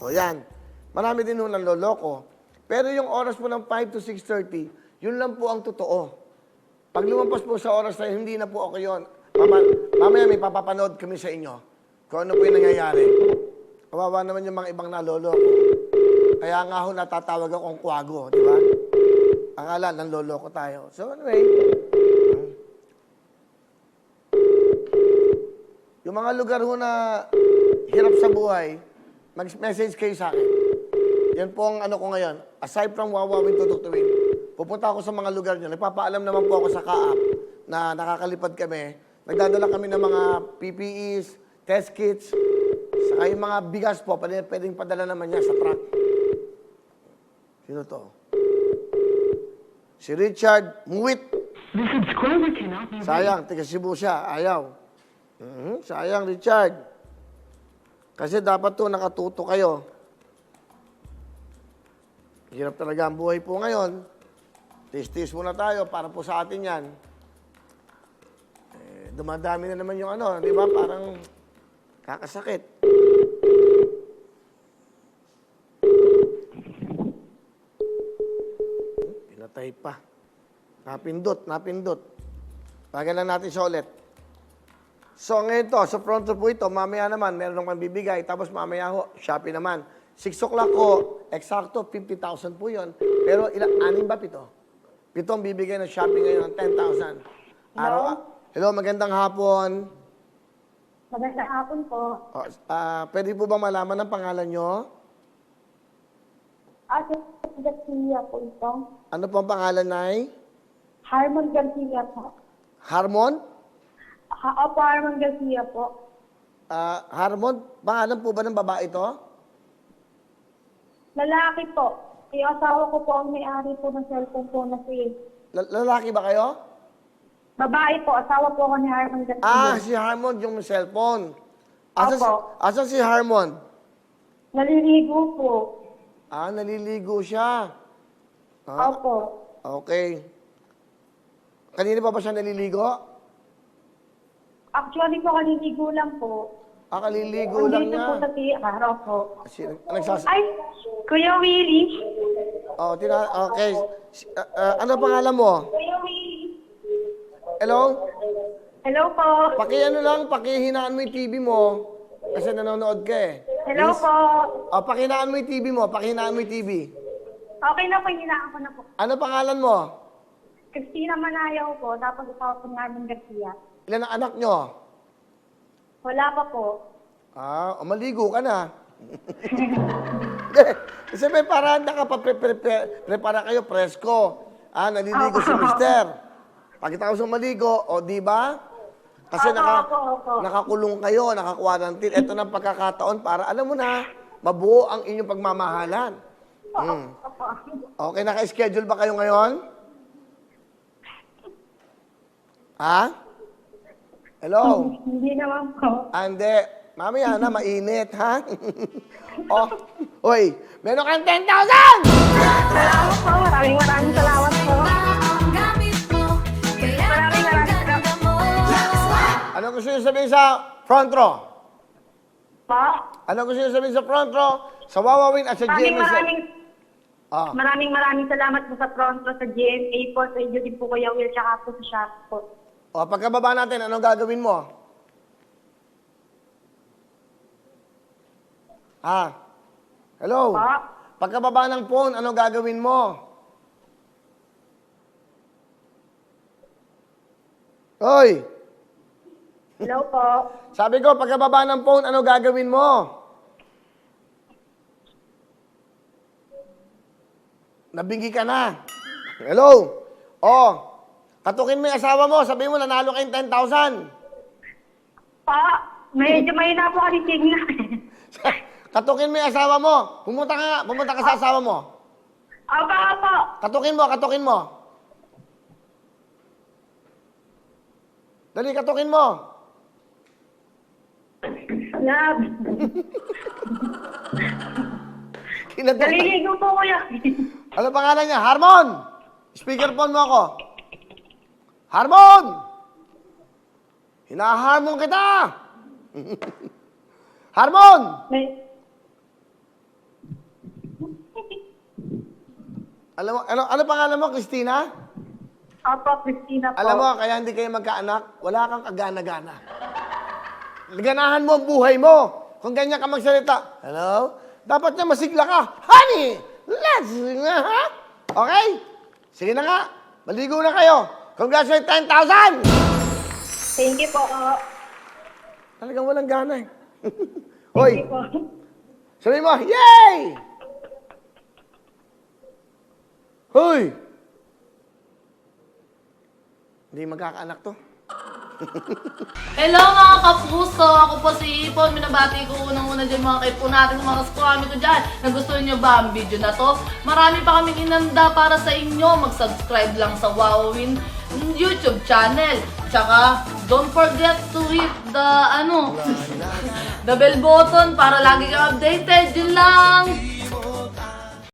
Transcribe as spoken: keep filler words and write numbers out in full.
O yan. Marami din nung nanloloko. Pero yung oras po ng five to six thirty, yun lang po ang totoo. Pag lumampas po sa oras na yun, hindi na po ako yun. Mama, mamaya may papapanood kami sa inyo kung ano po yung nangyayari. Kawawa naman yung mga ibang naloloko. Kaya nga ho natatawag akong kwago, di ba? Akala, nanloloko tayo. So anyway, yung mga lugar ho na hirap sa buhay, mag-message kayo sa akin. Yan po ang ano ko ngayon. Aside from wawawin tutuktuin, pupunta ako sa mga lugar nyo. Nagpapaalam naman po ako sa K A A P na nakakalipad kami. Nagdadala kami ng mga P P Es, test kits, saka yung mga bigas po, pwede, pwedeng padala naman niya sa truck. Sino to? Si Richard Muwit. Sayang, taga Cebu siya. Ayaw. Mm-hmm. Sayang, Richard. Kasi dapat to nakatuto kayo. Hirap talaga ang buhay po ngayon. Tis-tis muna tayo para po sa atin yan. Eh, dumadami na naman yung ano, di ba? Parang kakasakit. Pinatay pa. Napindot, napindot. Bagan lang natin siya ulit. So ngayon to, sa front row po ito, mamaya naman, meron akong bibigay. Tapos mamaya ho, Shopee naman. six o'clock ko, eksakto, fifty thousand po yun. Pero ilang, anim ba pito? Pito ang bibigay ng Shopee ngayon ng ten thousand. Araw, hello, magandang hapon. Magandang hapon po. Oh, ah, pwede po ba malaman ang pangalan nyo? Ate Garcia po ito. Ano po ang pangalan, Nay? Harmon Garcia po. Harmon? Ha, opo, Harmon Garcia po. Ah, Harmon, pangalan po ba ng babae ito? Lalaki po. Yung asawa ko po ang may-ari po ng cellphone po na si... L- lalaki ba kayo? Babae po, asawa po ako ni Harmon Garcia. Ah, si Harmon yung cellphone. Asa, si, Opo. asa si Harmon? Naliligo po. Ah, naliligo siya. Ah, Opo. okay. Kanina pa ba siya naliligo? Actually po, kaliligo lang po. Ah, kaliligo lang Andito niya. po sa T R, opo. Si, nagsas... Ay, Kuya Willie. Oh, tina... Okay. Si- ah, ah, ano pangalan mo? Kuya Willie. Hello? Hello po. Paki ano lang, pakihinaan mo yung T V mo. Kasi nanonood ka eh. Hello Please. po. Oh, pakihinaan mo yung T V mo. Pakihinaan mo yung T V. Okay na po, hinaan ko na po. Ano pangalan mo? Christina Manayaw po, tapos asawa ko ng Harmon Garcia. Ilan ang anak nyo? Wala pa po. Ah, o maligo ka na. Kasi may paraan na ka pa, pre, pre, pre, prepara kayo, presko. Ah, naliligo si mister. Pagkita ko sa maligo, o di ba? Kasi Opo, naka, opo, opo. nakakulong kayo, naka-quarantine. Ito na ang pagkakataon para, alam mo na, mabuo ang inyong pagmamahalan. Hmm. Opo. Okay, naka-schedule ba kayo ngayon? Ha? Hello? Hindi naman po. Ah, hindi. Mamaya na, mainit, ha? oh, oy, meron kang ten thousand! Salamat po. Maraming maraming salamat po. Maraming maraming salamat. Ano gusto niyo sabihin sa front row? Po. Ano gusto niyo sabihin sa front row? Sa Wawawin at sa Maraming G M S? maraming Ah, maraming maraming salamat po sa Pronto, sa G M A po, sa inyo din po Kuya Will, tsaka po sa shop po. oh, pagkababa natin, anong gagawin mo? Ah, hello? Po. Pagkababa ng phone, anong gagawin mo? Hoy! Hello po. Sabi ko, pagkababa ng phone, ano gagawin mo? Nabingi ka na. Hello? Oh, katukin mo yung asawa mo, sabihin mo, nanalo kayong ten thousand. Po. Medyo mahina po kasi signal. Katukin mo yung asawa mo. Pumunta ka nga, pumunta ka sa asawa mo. Opo, opo. Katukin mo, katukin mo. Dali, katukin mo. Love. Kinatukan. Naliligo po Kuya. Ano pangalan niya? Harmon! Speakerphone mo ako. Harmon! Hinaharmon kita! Harmon! May... Alam mo, ano, ano pangalan mo, Christina? Opo, Christina po. Alam mo, kaya hindi kayo magkaanak, wala kang kagana-gana. Ganahan mo ang buhay mo. Kung ganyan ka magsalita, hello? Dapat na masigla ka. Honey, let's, ha? Okay? Sige na nga. Maligo na kayo. Congratulations, ten thousand! Thank you po. Talagang walang gana eh. Thank Hoy, you po. sabihin mo, yay! Hoy! Hindi magkakaanak to. Hello mga kapuso! Ako po si Ipon. Minabati ko unang-una dyan mga kaipo natin, mga kaskwami ko dyan. Nagustuhan nyo ba ang video na to? Marami pa kaming inanda para sa inyo. Mag-subscribe lang sa Wowin YouTube channel. Tsaka, don't forget to hit the, ano, the bell button para lagi ka updated. Yun lang!